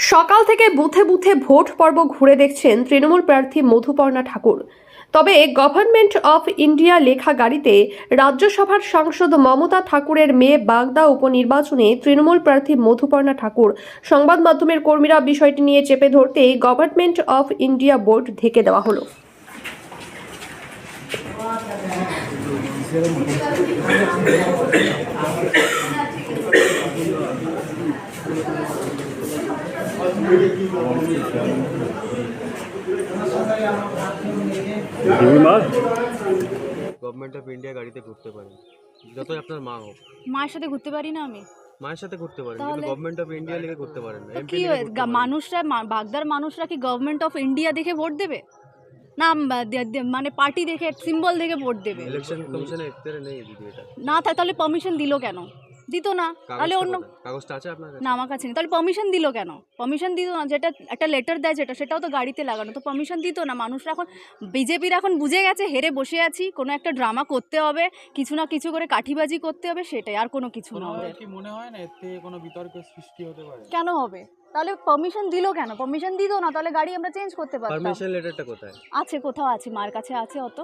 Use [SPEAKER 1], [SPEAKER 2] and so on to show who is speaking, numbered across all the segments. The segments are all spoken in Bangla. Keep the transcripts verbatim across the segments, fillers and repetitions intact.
[SPEAKER 1] সকাল থেকে বুথে বুথে ভোট পর্ব ঘুরে দেখছেন তৃণমূল প্রার্থী মধুপর্ণা ঠাকুর। তবে গভর্নমেন্ট অফ ইন্ডিয়া লেখা গাড়িতে রাজ্যসভার সাংসদ মমতা ঠাকুরের মেয়ে বাগদা উপনির্বাচনে তৃণমূল প্রার্থী মধুপর্ণা ঠাকুর সংবাদ মাধ্যমের কর্মীরা বিষয়টি নিয়ে চেপে ধরতে গভর্নমেন্ট অফ ইন্ডিয়া বোর্ড ঢেকে দেওয়া হলো।
[SPEAKER 2] গভর্নমেন্ট অফ ইন্ডিয়া গাড়িতে ঘুরতে পারেন, যতই আপনার মা হোক।
[SPEAKER 3] মায়ের সাথে ঘুরতে পারি না আমি?
[SPEAKER 2] মায়ের সাথে ঘুরতে পারেন,
[SPEAKER 3] তাহলে?
[SPEAKER 2] কিন্তু গভর্নমেন্ট অফ ইন্ডিয়া লিখে ঘুরতে পারেন না।
[SPEAKER 3] তো
[SPEAKER 2] এমপি
[SPEAKER 3] কি
[SPEAKER 2] লিখে ঘুরতে পারেন।
[SPEAKER 3] মানুষরা মা- বাগদার মানুষরা কি গভর্নমেন্ট অফ ইন্ডিয়া দেখে ভোট দেবে না বা- দে- দে- মানে পার্টি দেখে সিম্বল দেখে ভোট দেবে?
[SPEAKER 2] ইলেকশন কমিশনে এখতিয়ারে নেই দিদি এটা।
[SPEAKER 3] না থাকে তাহলে পারমিশন দিল কেন? দিত না তাহলে
[SPEAKER 2] কাগজটা
[SPEAKER 3] অন্য
[SPEAKER 2] কোথায়? কাগজটা আছে আপনার কাছে?
[SPEAKER 3] না আমার কাছে নেই। তাহলে পারমিশন দিল কেন? পারমিশন দিত না, যেটা একটা লেটার দেয় যেটা সেটাও তো গাড়িতে লাগানো, তো পারমিশন দিত না। মানুষরা এখন বিজেপির এখন বুঝে গেছে হেরে বসে আছি, কোনো একটা ড্রামা করতে হবে, কিছু না কিছু করে কাঠিবাজি করতে হবে, সেটাই, আর কোনো কিছু না। ওদের
[SPEAKER 4] কি মনে হয় না এর থেকে কোনো বিতর্কের সৃষ্টি হতে পারে?
[SPEAKER 3] কেন হবে? তাহলে পারমিশন দিল কেন? পারমিশন দিত না তাহলে গাড়ি আমরা চেঞ্জ করতে পারতাম।
[SPEAKER 2] পারমিশন লেটারটা কোথায়?
[SPEAKER 3] আছে, কোথাও আছে, মার কাছে আছে অত।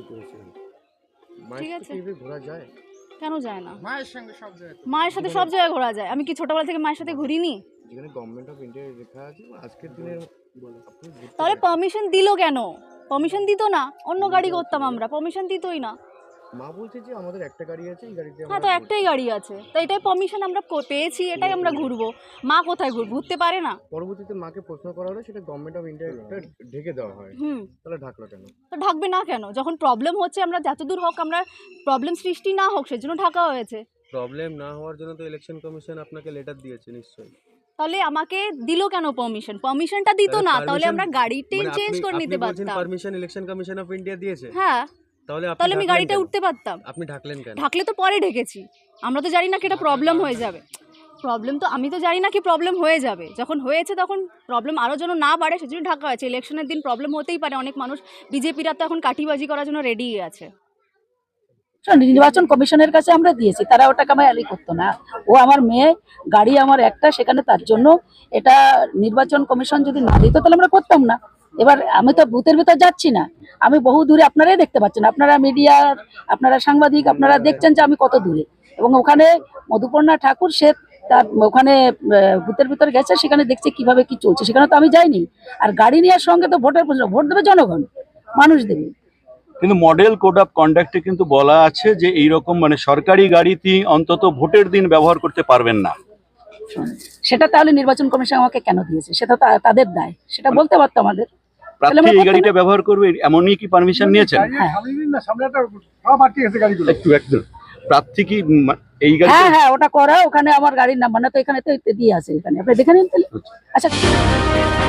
[SPEAKER 3] ঠিক আছে,
[SPEAKER 2] মায়ের সাথে ঘোরা যায়?
[SPEAKER 3] কেন যায় না?
[SPEAKER 4] মায়ের সঙ্গে সব জায়গায়
[SPEAKER 3] মায়ের সাথে সব জায়গায় ঘোরা যায়। আমি কি ছোটবেলা থেকে মায়ের সাথে ঘুরিনি?
[SPEAKER 2] যেখানে গভর্নমেন্ট অফ ইন্ডিয়া লেখা আছে আজকের দিনে বলে আপনি ঘুরতে
[SPEAKER 3] তাহলে
[SPEAKER 2] পারেন।
[SPEAKER 3] পারমিশন দিল কেন? পারমিশন দিত না, অন্য গাড়ি করতাম আমরা, পারমিশন দিতই না।
[SPEAKER 2] মা বলছে যে আমাদের একটা গাড়ি আছে, এই গাড়িতে
[SPEAKER 3] হ্যাঁ, তো একটাই গাড়ি আছে, তো এটাই পারমিশন আমরা কো- পেয়েছি, এটাই আমরা ঘুরবো। মা কোথায় ঘুর ঘুরতে পারে না?
[SPEAKER 2] পরবর্তীতে মাকে প্রশ্ন করা হলে সেটা গভর্নমেন্ট অফ ইন্ডিয়া ঢেকে দেওয়া হয়।
[SPEAKER 3] হুম,
[SPEAKER 2] তাহলে ঢাকলো কেন?
[SPEAKER 3] তো ঢাকবে না কেন? যখন প্রবলেম হচ্ছে, আমরা যতদূর হোক, আমরা প্রবলেম সৃষ্টি না হোক সেজন্য ঢাকা হয়েছে।
[SPEAKER 2] প্রবলেম না হওয়ার জন্য তো ইলেকশন কমিশন আপনাকে লেটার দিয়েছে নিশ্চয়ই।
[SPEAKER 3] তাহলে আমাকে দিল কেন পারমিশন? পারমিশনটা দিত না, তাহলে আমরা গাড়িটাই
[SPEAKER 2] মানে
[SPEAKER 3] চেঞ্জ
[SPEAKER 2] আপনি-
[SPEAKER 3] করে নিতে
[SPEAKER 2] আপনি বলছেন
[SPEAKER 3] পারতাম।
[SPEAKER 2] Permission election commission of India দিয়েছে,
[SPEAKER 3] হ্যাঁ,
[SPEAKER 2] তাহলে আপনি
[SPEAKER 3] তাহলে আমি
[SPEAKER 2] ঢাকলেন
[SPEAKER 3] গাড়িটা
[SPEAKER 2] কেন?
[SPEAKER 3] উঠতে পারতাম।
[SPEAKER 2] আপনি ঢাকলেন কেন?
[SPEAKER 3] ঢাকলে তো পরে ঢেকেছি, আমরা তো জানি না কি এটা প্রবলেম হয়ে যাবে। প্রবলেম তো আমি তো জানি না কি প্রবলেম হয়ে যাবে, যখন হয়েছে তখন প্রবলেম আরও যেন না বাড়ে সেজন্য ঢাকা হয়েছে। ইলেকশনের দিন প্রবলেম হতেই পারে, অনেক মানুষ, বিজেপিরা তো এখন কাঠিবাজি করার জন্য রেডি আছে।
[SPEAKER 5] নির্বাচন কমিশনের কাছে আমরা দিয়েছি, তারা ওটাকে আমার অ্যালি করতো না। ও আমার মেয়ে, গাড়ি আমার একটা, সেখানে তার জন্য এটা নির্বাচন কমিশন যদি না দিত তাহলে আমরা করতাম না। এবার আমি তো বুথের ভিতর যাচ্ছি না, আমি বহু দূরে, আপনারাই দেখতে পাচ্ছেন, আপনারা মিডিয়ার, আপনারা সাংবাদিক, আপনারা দেখছেন যে আমি কত দূরে। এবং ওখানে মধুপর্ণা ঠাকুর সে তার ওখানে বুথের ভিতর গেছে, সেখানে দেখছে কিভাবে কি চলছে, সেখানে তো আমি যাইনি। আর গাড়ি নেওয়ার সঙ্গে তো ভোটের প্রশ্ন, ভোট দেবে জনগণ, মানুষ দেবে।
[SPEAKER 6] কিন্তু মডেল কোড অফ কন্ডাক্টে কিন্তু বলা আছে যে এইরকম মানে সরকারি গাড়িতে অন্তত ভোটের দিন ব্যবহার করতে পারবেন না।
[SPEAKER 5] সেটা তাহলে নির্বাচন কমিশন আমাকে কেন দিয়েছে? সেটা তো তাদের দায়, সেটা বলতে পারতো আমাদের।
[SPEAKER 6] প্রার্থী এই গাড়িটা ব্যবহার করবে এমনই কি পারমিশন নিয়েছেন? একটু একদম প্রার্থী কি উম, এই গাড়ি?
[SPEAKER 5] হ্যাঁ হ্যাঁ, ওটা করা, ওখানে আমার গাড়ির নাম্বার না তো, এখানে তো দিয়ে আছে, এখানে আপনি দেখে নিন তাহলে। আচ্ছা।